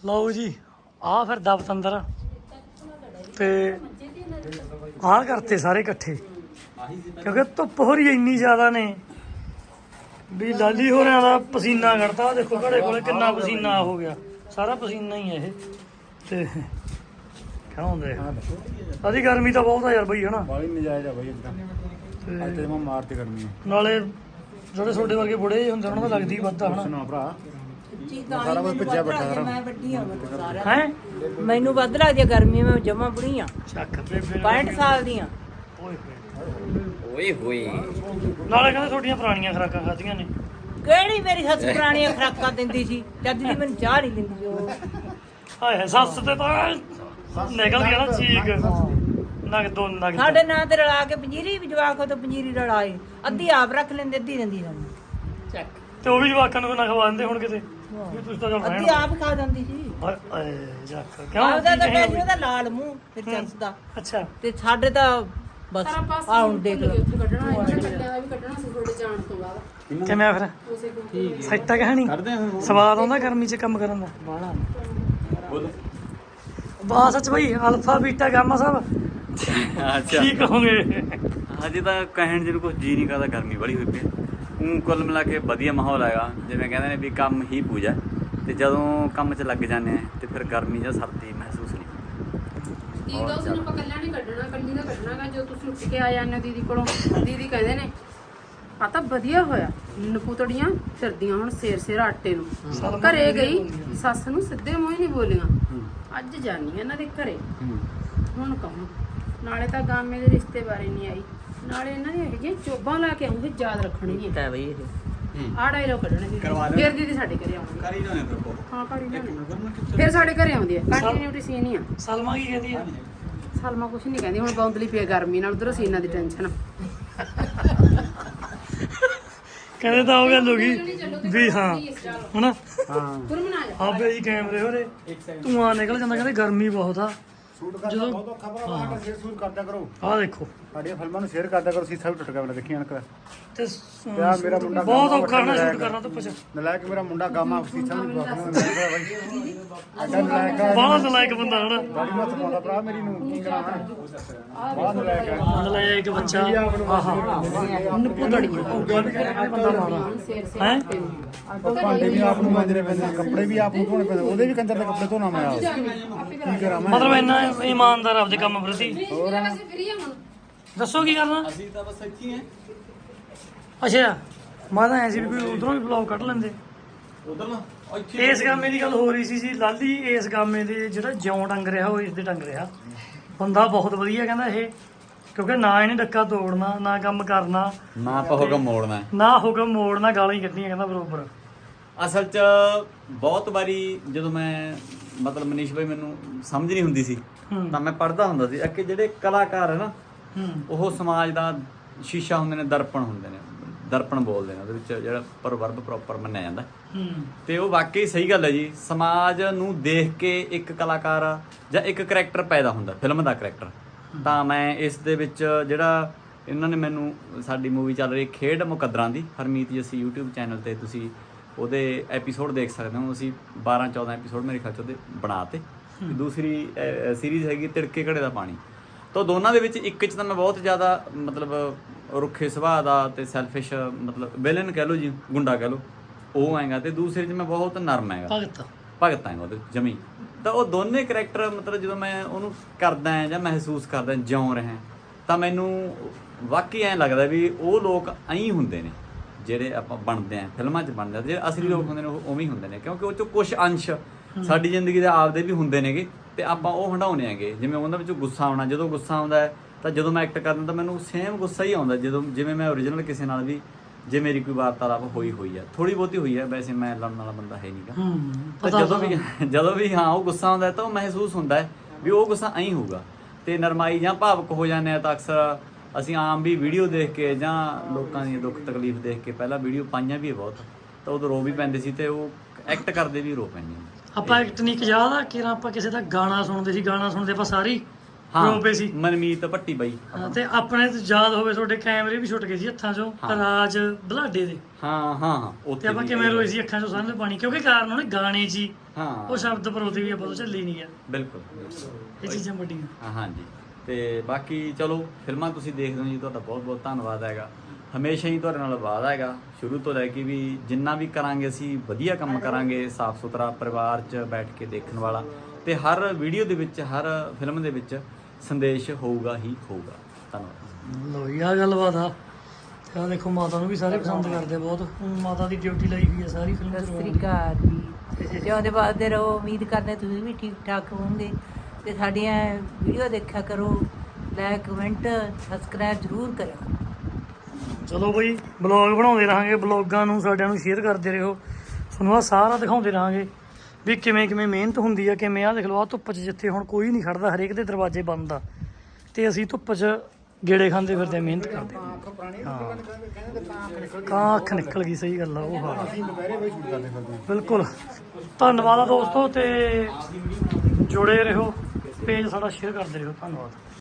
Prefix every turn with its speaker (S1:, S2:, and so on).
S1: ਲਓ ਜੀ ਆ ਫਿਰ ਦਬਤੰਦਰ ਤੇ ਆਹ ਕਰਤੇ ਸਾਰੇ ਇਕੱਠੇ ਕਿਉਂਕਿ ਧੁੱਪ ਹੋ ਰਹੀ ਇੰਨੀ ਜ਼ਿਆਦਾ ਨੇ ਵੀ ਲਾਲੀ ਹੋਰਾਂ ਦਾ ਪਸੀਨਾ ਕੱਢਦਾ। ਆਹ ਦੇਖੋ ਘੜੇ ਕੋਲੇ ਕਿੰਨਾ ਪਸੀਨਾ ਹੋ ਗਿਆ, ਸਾਰਾ ਪਸੀਨਾ ਹੀ ਹੈ ਇਹ। ਤੇ ਖਾਉਂਦੇ ਅਦੀ ਗਰਮੀ ਤਾਂ ਬਹੁਤ ਆ ਯਾਰ ਬਈ, ਹਨਾ
S2: ਬਾਲੀ ਨਜਾਇਜ਼ ਆ ਬਈ ਇਦਾਂ ਅੱਜ ਤੇ ਮੈਂ ਮਾਰਤੇ ਗਰਮੀ
S1: ਨਾਲੇ ਜਿਹੜੇ ਛੋਟੇ ਵਰਗੇ ਬੁੜੇ ਹੁੰਦੇ ਉਹਨਾਂ ਦਾ ਲੱਗਦੀ ਵੱਧਾ, ਹਨਾ
S2: ਸੁਣਾ ਭਰਾ ਸਾਰਾ ਕੁਝ ਭੱਜਿਆ ਬੱਟਾ
S3: ਮੈਂ ਵੱਡੀ ਆ ਸਾਰਾ
S1: ਹੈ।
S3: ਮੈਨੂੰ ਵੱਧ ਲੱਗਦੀ ਆ ਗਰਮੀ, ਮੈਂ ਜਮਾ ਬੁੜੀ ਆ,
S1: ਚੱਕ ਤੇ
S3: 65 ਸਾਲ ਦੀ ਆ।
S1: ਓਏ ਹੋਏ ਨਾਲੇ ਕਹਿੰਦੇ ਤੁਹਾਡੀਆਂ ਪੁਰਾਣੀਆਂ ਖੁਰਾਕਾਂ ਖਾਧੀਆਂ ਨੇ।
S3: ਕਿਹੜੀ ਮੇਰੀ ਸੱਸ ਪੁਰਾਣੀਆਂ ਖੁਰਾਕਾਂ ਦਿੰਦੀ ਸੀ, ਜਦ ਦੀ ਮੈਨੂੰ ਚਾਹ ਨਹੀਂ ਦਿੰਦੀ ਸੀ ਉਹ।
S1: ਹਾਏ ਸੱਸ ਤੇ ਤਾਂ ਨਿਕਲ ਗਿਆ ਨਾ ਚੀਕ ਨਗ ਦੋ ਨਗ।
S3: ਸਾਡੇ ਨਾਂ ਤੇ ਰਲਾ ਕੇ ਪੰਜੀਰੀ ਵੀ ਜਵਾਕ ਤੋਂ ਪੰਜੀਰੀ ਰਲਾਏ, ਅੱਧੀ ਆਪ ਰੱਖ ਲੈਂਦੇ, ਅੱਧੀ ਦਿੰਦੀ ਸਾਨੂੰ। ਚੱਕ
S1: ਤੇ ਉਹ ਵੀ ਜਵਾਕਾਂ ਨੂੰ ਨਾ ਖਵਾਉਂਦੇ ਹੁਣ ਕਿਤੇ ਵੀ ਤੁਸੀਂ ਤਾਂ ਚੱਲ
S3: ਅੱਧੀ ਆਪ ਖਾ ਜਾਂਦੀ ਸੀ।
S1: ਹਾਏ ਜੱਕ ਕਿਉਂ
S3: ਆਪਦਾ ਤਾਂ
S1: ਕੀ
S3: ਕਹਿ
S1: ਕਹੇ
S3: ਉਹਦਾ ਲਾਲ ਮੂੰਹ ਤੇ ਚੱਸਦਾ,
S1: ਅੱਛਾ
S3: ਤੇ ਸਾਡੇ ਤਾਂ ਬਸ ਆ ਹੁਣ ਦੇਖ ਲਓ।
S1: ਕਿਵੇਂ ਆ ਫਿਰ ਸੈੱਟ ਆ ਕਹਾਣੀ? ਸਵਾਦ ਆਉਂਦਾ ਗਰਮੀ 'ਚ ਕੰਮ ਕਰਨ ਦਾ ਬਾਹਲਾ ਬਾਸ ਸੱਚ ਬਈ ਅਲਫਾ ਬੀਟਾ ਗਾਮਾ ਸਭ
S4: ਅੱਛਾ
S1: ਕੀ ਕਹੋਗੇ?
S4: ਹਜੇ ਤਾਂ ਕਹਿਣ ਜਿਹਨੂੰ ਕੁਝ ਜੀ ਨਹੀਂ ਕਰਦਾ, ਗਰਮੀ ਬੜੀ ਹੋਈ ਪਈ। ਕੁੱਲ ਮਿਲਾ ਕੇ ਵਧੀਆ ਮਾਹੌਲ ਹੈਗਾ, ਜਿਵੇਂ ਕਹਿੰਦੇ ਨੇ ਵੀ ਕੰਮ ਹੀ ਪੂਜਾ। ਤੇ ਜਦੋਂ ਕੰਮ 'ਚ ਲੱਗ ਜਾਂਦੇ ਆ ਤੇ ਫਿਰ ਗਰਮੀ ਜਾਂ ਸਰਦੀ ਮਹਿਸੂਸ ਨਹੀਂ
S5: ਦੀਦੀ ਦਾ ਉਸਨੂੰ ਆਪਾਂ ਕੱਲਾ ਨਹੀਂ ਕੱਢਣਾ, ਕੱਲੀ ਦਾ ਕੱਢਣਾਗਾ। ਜੋ ਤੁਸੀਂ ਉੱਠ ਕੇ ਆ ਜਾਂਦੇ ਹੋ ਦੀਦੀ ਕੋਲੋਂ, ਦੀਦੀ ਕਹਿੰਦੇ ਨੇ ਆ ਤਾਂ ਵਧੀਆ ਹੋਇਆ, ਨਪੂਤੜੀਆਂ ਫਿਰਦੀਆਂ ਹੁਣ ਸਿਰ ਆਟੇ ਨੂੰ। ਘਰੇ ਗਈ ਸੱਸ ਨੂੰ ਸਿੱਧੇ ਮੂੰਹ ਹੀ ਨਹੀਂ ਬੋਲੀਆਂ, ਅੱਜ ਜਾਨੀ ਇਹਨਾਂ ਦੇ ਘਰੇ ਹੁਣ ਕਹੂੰ। ਨਾਲੇ ਤਾਂ ਗਾਮੇ ਦੇ ਰਿਸ਼ਤੇ ਬਾਰੇ ਨਹੀਂ ਆਈ, ਨਾਲੇ ਇਹਨਾਂ ਦੀਆਂ ਹੈਗੀਆਂ ਚੋਬਾਂ ਲਾ ਕੇ ਆਉਂਗੇ, ਯਾਦ ਰੱਖਣਗੀਆਂ
S3: ਬਈ ਇਹ
S5: ਆਹ ਡਾਇਲੋਗ ਕੱਢਣੇ ਦੀਦੀ। ਫਿਰ ਦੀਦੀ ਸਾਡੇ ਘਰੇ ਆਉਂਦੀ।
S4: ਕਰ ਹੀ ਜਾਣੇ ਫਿਰ
S5: ਹਾਂ ਕਰ ਹੀ ਜਾਣੇ, ਫਿਰ ਸਾਡੇ ਘਰੇ ਆਉਂਦੀ ਹੈ। ਕੰਟੀਨਿਊਟੀ ਸੀਨ ਹੀ ਆ।
S1: ਸਲਮਾ ਕੀ ਕਹਿੰਦੀ ਆ?
S5: ਸਲਮਾ ਕੁਛ ਨਹੀਂ ਕਹਿੰਦੀ, ਹੁਣ ਬੌਂਦਲੀ ਪਈ ਗਰਮੀ ਨਾਲ, ਉਧਰੋਂ ਸੀਨਾਂ ਦੀ ਟੈਨਸ਼ਨ।
S1: ਕਹਿੰਦੇ ਤਾਂ ਉਹ ਗੱਲ ਹੋ ਗਈ ਵੀ ਹਾਂ ਹਨਾ
S5: ਗੁਰਮਨ ਆ ਜਾ।
S1: ਆਪੇ ਜੀ ਕੈਮਰੇ ਹੋਰੇ ਧੂਆਂ ਨਿਕਲ ਜਾਂਦਾ, ਕਹਿੰਦੇ ਗਰਮੀ ਬਹੁਤ ਆ।
S2: ਸ਼ੂਟ ਕਰਨਾ ਬਹੁਤ ਔਖਾ ਭਰਾ, ਸਾਡਾ ਸ਼ੇਅਰ ਸ਼ੂਟ ਕਰਦਾ ਕਰੋ,
S1: ਆਹ ਦੇਖੋ
S2: ਸਾਡੀਆਂ ਫਿਲਮਾਂ ਨੂੰ ਸ਼ੇਅਰ ਕਰਦਾ ਕਰੋ। ਸੀਸਾ ਵੀ ਟੁੱਟ ਗਿਆ, ਦੇਖੀ ਅਣਕ
S1: ਤੇ
S2: ਯਾਰ ਮੇਰਾ ਮੁੰਡਾ
S1: ਬਹੁਤ ਔਖਾ ਨਾ ਸ਼ੂਟ ਕਰਨਾ ਧੁੱਪ 'ਚ।
S2: ਨਲਾਇਕ ਮੇਰਾ ਮੁੰਡਾ ਗਾਮਾ ਸੀਸਾ ਵੀ ਬਾਕੀ ਬਾਈ ਅੱਡਾ ਨਲਾਇਕ ਆ,
S1: ਬਾਹਲਾ ਨਲਾਇਕ ਬੰਦਾ ਹਨਾ,
S2: ਬੜੀ ਮੱਤ ਪਾਉਂਦਾ ਭਰਾ ਮੇਰੀ ਨੂੰ। ਕੀ ਕਰਾਂ ਮੈਂ, ਬਾਹਰ ਨਲਾਇਕ ਆ।
S1: ਨਲਾਇਕ ਬੱਚਾ। ਆਹਾ ਨਪੁਦੜੀ ਬੰਦਾ ਮਾਰਾ ਹੈ।
S2: ਭਾਂਡੇ ਵੀ ਆਪ ਨੂੰ ਮਾਂਜਣੇ ਪੈਂਦੇ ਨੇ, ਕੱਪੜੇ ਵੀ ਆਪ ਨੂੰ ਧੋਣੇ ਪੈਂਦੇ, ਉਹਦੇ ਵੀ ਕੰਜਰ ਦੇ ਕੱਪੜੇ ਧੋਣਾ ਮੈਂ ਆਪ। ਕੀ ਕਰਾਂ ਮੈਂ,
S1: ਮਤਲਬ ਇੰਨਾ ਇਮਾਨਦਾਰ ਆਪਦੇ ਕੰਮ ਪ੍ਰਤੀ।
S2: ਹੋਰ
S5: ਅਸੀਂ ਫਰੀ ਆ ਹੁਣ।
S1: ਦੱਸੋ ਕੀ ਕਰਨਾ?
S4: ਅਸੀਂ ਤਾਂ ਬਸ ਇੱਥੇ ਹੀ
S1: ਅੱਛਾ ਮੈਂ ਤਾਂ ਐ ਸੀ ਵੀ ਕੋਈ ਉਧਰੋਂ ਵੀ ਬਲੌਗ ਕੱਢ ਲੈਂਦੇ।
S4: ਉਧਰ ਨਾ ਇੱਥੇ
S1: ਇਸ ਗਾਮੇ ਦੀ ਗੱਲ ਹੋ ਰਹੀ ਸੀ ਜੀ ਲਾਲੀ, ਇਸ ਗਾਮੇ ਦੇ ਜਿਹੜਾ ਜਿਉਂ ਟੰਗ ਰਿਹਾ ਉਹ ਇਸ ਦੇ ਟੰਗ ਰਿਹਾ। ਬੰਦਾ ਬਹੁਤ ਵਧੀਆ ਕਹਿੰਦਾ ਇਹ, ਕਿਉਂਕਿ ਨਾ ਇਹਨੇ ਡੱਕਾ ਤੋੜਨਾ, ਨਾ ਕੰਮ ਕਰਨਾ,
S4: ਨਾ ਆਪਾਂ ਹੁਕਮ ਮੋੜਨਾ ਹੈ।
S1: ਨਾ ਹੁਕਮ ਮੋੜਨਾ, ਗਾਲਾਂ ਹੀ ਕੱਢਣੀਆਂ ਕਹਿੰਦਾ ਬਰੋਬਰ।
S4: ਅਸਲ 'ਚ ਬਹੁਤ ਵਾਰੀ ਜਦੋਂ ਮੈਂ ਮਤਲਬ ਮਨੀਸ਼ ਭਾਈ ਮੈਨੂੰ ਸਮਝ ਨਹੀਂ ਹੁੰਦੀ ਸੀ ਤਾਂ ਮੈਂ ਪੜ੍ਹਦਾ ਹੁੰਦਾ ਸੀ ਕਿ ਜਿਹੜੇ ਕਲਾਕਾਰ ਹੈ ਨਾ ਉਹ ਸਮਾਜ ਦਾ ਸ਼ੀਸ਼ਾ ਹੁੰਦੇ ਨੇ, ਦਰਪਣ ਹੁੰਦੇ ਨੇ, ਦਰਪਣ ਬੋਲਦੇ ਨੇ ਉਹਦੇ ਵਿੱਚ ਜਿਹੜਾ ਪ੍ਰਵਰਬ ਪ੍ਰੋਪਰ ਮੰਨਿਆ ਜਾਂਦਾ। ਤੇ ਉਹ ਵਾਕਈ ਸਹੀ ਗੱਲ ਹੈ ਜੀ। ਸਮਾਜ ਨੂੰ ਦੇਖ ਕੇ ਇੱਕ ਕਲਾਕਾਰ ਜਾਂ ਇੱਕ ਕਰੈਕਟਰ ਪੈਦਾ ਹੁੰਦਾ, ਫਿਲਮ ਦਾ ਕਰੈਕਟਰ। ਤਾਂ ਮੈਂ ਇਸ ਦੇ ਵਿੱਚ ਜਿਹੜਾ ਇਹਨਾਂ ਨੇ ਮੈਨੂੰ, ਸਾਡੀ ਮੂਵੀ ਚੱਲ ਰਹੀ ਖੇਡ ਮੁਕੱਦਰਾਂ ਦੀ, ਹਰਮੀਤ ਜੱਸੀ YouTube ਚੈਨਲ ਤੇ ਤੁਸੀਂ ਉਹਦੇ ਐਪੀਸੋਡ ਦੇਖ ਸਕਦੇ ਹੋ। ਅਸੀਂ 12-14 ਐਪੀਸੋਡ ਮੇਰੇ ਖਿਆਲ 'ਚ ਉਹਦੇ ਬਣਾਤੇ। ਦੂਸਰੀ ਸੀਰੀਜ਼ ਹੈਗੀ ਤਿੜਕੇ ਘੜੇ ਦਾ ਪਾਣੀ। ਤਾਂ ਦੋਨਾਂ ਦੇ ਵਿੱਚ ਇੱਕ 'ਚ ਤਾਂ ਮੈਂ ਬਹੁਤ ਜ਼ਿਆਦਾ ਮਤਲਬ ਰੁੱਖੇ ਸੁਭਾਅ ਦਾ ਤੇ ਸੈਲਫਿਸ਼, ਮਤਲਬ ਵਿਲਨ ਕਹਿ ਲਓ ਜੀ, ਗੁੰਡਾ ਕਹਿ ਲਓ, ਉਹ ਆਏਗਾ। ਤੇ ਦੂਸਰੇ 'ਚ ਮੈਂ ਬਹੁਤ ਨਰਮ ਹੈਗਾ, ਭਗਤ ਹੈਗਾ ਉਹਦੇ ਜਮੀ। ਤਾਂ ਉਹ ਦੋਨੇ ਕਰੈਕਟਰ ਮਤਲਬ ਜਦੋਂ ਮੈਂ ਉਹਨੂੰ ਕਰਦਾ ਜਾਂ ਮਹਿਸੂਸ ਕਰਦਾ, ਜਿਉਂ ਰਿਹਾ, ਤਾਂ ਮੈਨੂੰ ਵਾਕਈ ਐਂ ਲੱਗਦਾ ਵੀ ਉਹ ਲੋਕ ਐਂ ਹੁੰਦੇ ਨੇ ਜਿਹੜੇ ਆਪਾਂ ਬਣਦੇ ਆ ਫਿਲਮਾਂ 'ਚ ਬਣਦੇ ਆ। ਜਿਹੜੇ ਅਸਲੀ ਲੋਕ ਹੁੰਦੇ ਨੇ ਉਹ ਉਵੇਂ ਹੀ ਹੁੰਦੇ ਨੇ, ਕਿਉਂਕਿ ਉਹ 'ਚੋਂ ਕੁਛ ਅੰਸ਼ ਸਾਡੀ ਜ਼ਿੰਦਗੀ ਦੇ ਆਪਦੇ ਵੀ ਹੁੰਦੇ ਨੇਗੇ ਤੇ ਆਪਾਂ ਉਹ ਹੰਢਾਉਂਦੇ ਹੈਗੇ। ਜਿਵੇਂ ਉਹਨਾਂ ਵਿੱਚੋਂ ਗੁੱਸਾ ਆਉਣਾ, ਜਦੋਂ ਗੁੱਸਾ ਆਉਂਦਾ ਹੈ ਤਾਂ ਜਦੋਂ ਮੈਂ ਐਕਟ ਕਰਦਾ ਤਾਂ ਮੈਨੂੰ ਸੇਮ ਗੁੱਸਾ ਹੀ ਆਉਂਦਾ ਜਦੋਂ ਜਿਵੇਂ ਮੈਂ ਓਰੀਜਨਲ ਕਿਸੇ ਨਾਲ ਵੀ, ਜੇ ਮੇਰੀ ਕੋਈ ਵਾਰਤਾਲਾਪ ਹੋਈ ਆ, ਥੋੜੀ ਬਹੁਤੀ ਹੋਈ ਹੈ, ਵੈਸੇ ਮੈਂ ਲੜਨ ਵਾਲਾ ਬੰਦਾ ਹੈ ਨਹੀਂਗਾ। ਤਾਂ ਜਦੋਂ ਵੀ ਹਾਂ ਉਹ ਗੁੱਸਾ ਆਉਂਦਾ ਤਾਂ ਉਹ ਮਹਿਸੂਸ ਹੁੰਦਾ ਹੈ ਵੀ ਉਹ ਗੁੱਸਾ ਐਂ ਹੋਊਗਾ। ਤੇ ਨਰਮਾਈ ਜਾਂ ਭਾਵੁਕ ਹੋ ਜਾਂਦੇ ਆ ਤਾਂ ਅਕਸਰ ਅਸੀਂ ਆਮ ਵੀ ਵੀਡੀਓ ਦੇਖ ਕੇ ਜਾਂ ਲੋਕਾਂ ਦੀ ਦੁੱਖ ਤਕਲੀਫ ਦੇਖ ਕੇ, ਪਹਿਲਾਂ ਵੀਡੀਓ ਪਾਈਆਂ ਵੀ ਬਹੁਤ, ਤਾਂ ਉਦੋਂ ਰੋ ਵੀ ਪੈਂਦੇ ਸੀ ਤੇ ਉਹ ਐਕਟ ਕਰਦੇ ਵੀ ਰੋ ਪੈਂਦੇ।
S1: ਆਪਾਂ ਇੱਕ ਟੈਕਨੀਕ ਯਾਦ ਆ ਕਿ ਆਪਾਂ ਕਿਸੇ ਦਾ ਗਾਣਾ ਸੁਣਦੇ ਸੀ, ਗਾਣਾ ਸੁਣਦੇ ਆਪਾਂ ਸਾਰੀ ਰੋਪੇ ਸੀ
S4: ਮਨਮੀਤ ਭੱਟੀ ਬਾਈ।
S1: ਹਾਂ, ਤੇ ਆਪਣੇ ਤੇ ਯਾਦ ਹੋਵੇ ਤੁਹਾਡੇ ਕੈਮਰੇ ਵੀ ਛੁੱਟ ਗਏ ਸੀ ਹੱਥਾਂ 'ਚੋਂ ਰਾਜ ਬਲਾਡੇ ਦੇ।
S4: ਹਾਂ
S1: ਤੇ
S4: ਉੱਥੇ
S1: ਆਪਾਂ
S4: ਵੀ
S1: ਕਿਵੇਂ ਰੋਏ ਸੀ ਅੱਖਾਂ 'ਚੋਂ ਸਾਹਮਣੇ ਪਾਣੀ, ਕਿਉਂਕਿ ਕਾਰਨ ਉਹਨੇ ਗਾਣੇ 'ਚ ਹੀ
S4: ਹਾਂ
S1: ਉਹ ਸ਼ਬਦ ਪਰੋਤੇ ਵੀ ਆਪਾਂ ਤੋਂ ਝੱਲੇ ਨਹੀਂ ਗਿਆ।
S4: ਬਿਲਕੁਲ
S1: ਇਹ ਚੀਜ਼ਾਂ ਵੱਡੀਆਂ।
S4: ਹਾਂਜੀ। ਤੇ ਬਾਕੀ ਚਲੋ ਫਿਲਮਾਂ ਤੁਸੀਂ ਦੇਖਦੇ ਹੋ ਜੀ, ਤੁਹਾਡਾ ਬਹੁਤ ਬਹੁਤ ਧੰਨਵਾਦ ਹੈਗਾ। ਹਮੇਸ਼ਾ ਹੀ ਤੁਹਾਡੇ ਨਾਲ ਵਾਅਦਾ ਹੈਗਾ ਸ਼ੁਰੂ ਤੋਂ ਲੈ ਕੇ ਵੀ ਜਿੰਨਾ ਵੀ ਕਰਾਂਗੇ ਅਸੀਂ ਵਧੀਆ ਕੰਮ ਕਰਾਂਗੇ, ਸਾਫ਼ ਸੁਥਰਾ, ਪਰਿਵਾਰ 'ਚ ਬੈਠ ਕੇ ਦੇਖਣ ਵਾਲਾ, ਤੇ ਹਰ ਵੀਡੀਓ ਦੇ ਵਿੱਚ ਹਰ ਫਿਲਮ ਦੇ ਵਿੱਚ ਸੰਦੇਸ਼ ਹੋਊਗਾ ਹੀ ਹੋਊਗਾ। ਧੰਨਵਾਦ।
S1: ਲੋ ਯਾ ਗੱਲਬਾਤ ਆ। ਤੇ ਆਹ ਦੇਖੋ ਮਾਤਾ ਨੂੰ ਵੀ ਸਾਰੇ ਪਸੰਦ ਕਰਦੇ ਬਹੁਤ। ਹੁਣ ਮਾਤਾ ਦੀ ਡਿਊਟੀ ਲਾਈ ਹੋਈ ਹੈ ਸਾਰੀ ਫਿਲਮ
S3: ਸਤਿ ਸ੍ਰੀ
S1: ਚ।
S3: ਅਕਾਲ ਜੀ। ਜਿਉਂਦੇ ਵੱਸਦੇ ਰਹੋ। ਉਮੀਦ ਕਰਦੇ ਤੁਸੀਂ ਵੀ ਠੀਕ ਠਾਕ ਹੋਵੋਗੇ ਤੇ ਸਾਡੀਆਂ ਵੀਡੀਓ ਦੇਖਿਆ ਕਰੋ। ਲਾਈਕ ਕਮੈਂਟ ਸਬਸਕ੍ਰਾਈਬ ਜ਼ਰੂਰ ਕਰਿਓ।
S1: ਚਲੋ ਬਈ ਬਲੌਗ ਬਣਾਉਂਦੇ ਰਹਾਂਗੇ, ਬਲੌਗਾਂ ਨੂੰ ਸਾਡਿਆਂ ਨੂੰ ਸ਼ੇਅਰ ਕਰਦੇ ਰਹੋ। ਤੁਹਾਨੂੰ ਆਹ ਸਾਰਾ ਦਿਖਾਉਂਦੇ ਰਹਾਂਗੇ ਵੀ ਕਿਵੇਂ ਕਿਵੇਂ ਮਿਹਨਤ ਹੁੰਦੀ ਆ, ਕਿਵੇਂ ਆਹ ਦੇਖ ਲਓ ਆਹ ਧੁੱਪ 'ਚ ਜਿੱਥੇ ਹੁਣ ਕੋਈ ਨਹੀਂ ਖੜਦਾ, ਹਰੇਕ ਦੇ ਦਰਵਾਜ਼ੇ ਬੰਦ ਆ ਤੇ ਅਸੀਂ ਧੁੱਪ 'ਚ ਗੇੜੇ ਖਾਂਦੇ ਫਿਰਦੇ ਮਿਹਨਤ ਕਰਦੇ। ਕਾਂ ਅੱਖ ਨਿਕਲ ਗਈ, ਸਹੀ ਗੱਲ ਆ ਉਹ। ਹਾਂ
S2: ਅਸੀਂ ਦੁਪਹਿਰੇ ਬਈ ਸ਼ੂਟ ਕਰਦੇ ਫਿਰਦੇ ਹਾਂ।
S1: ਬਿਲਕੁਲ। ਧੰਨਵਾਦ ਆ ਦੋਸਤੋ, ਤੇ ਜੁੜੇ ਰਹੋ, ਪੇਜ ਸਾਡਾ ਸ਼ੇਅਰ ਕਰਦੇ ਰਹੋ। ਧੰਨਵਾਦ।